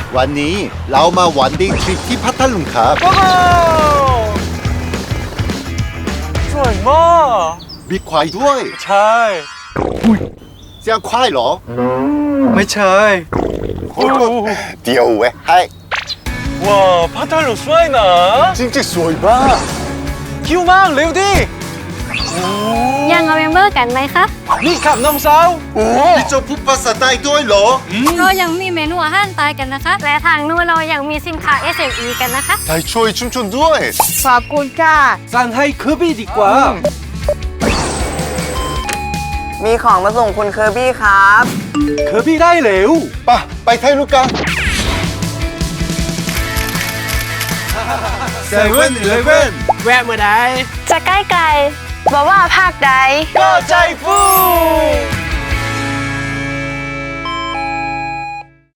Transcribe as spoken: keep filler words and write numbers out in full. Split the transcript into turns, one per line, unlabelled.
วันนี้เรามาวันดีทริปที่พัทลุงครับ
โอ้โหสวยมาก
มีควายด้วย
ใช่
เสียงควายเหรอ
ไม่ใช่
เดี๋ยวเว้ยให้
ว้าวพัทลุงสวยนะ
จริงๆสวยมาก
คิวมากเร็วดิ
ยังเอาเมมเบอร์กันไหมคะ
นี่ขับน้องสาว
โอ้พี่โจพูดภาษาใต้ด้วยเหรอ
เรายังมีเมนูอาหารตายกันนะคะ และทางนู้นเรายังมีสินค้า เอส เอ็ม อี กันนะคะ
ไทยช่วยชุมชนด้วย
ขอบคุณค่ะ
สั่งให้เคอร์บี้ดีกว่า
มีของมาส่งคุณเคอร์บี้ครับ
เคอร์บี้ได้เร็ว
ไปไปไทยลูกกัน
เซเว่นอีเลฟเว่น
แวะเมื่อใด
จะใกล้ไกลบอกว่าภาคใด
ก็ใจฟู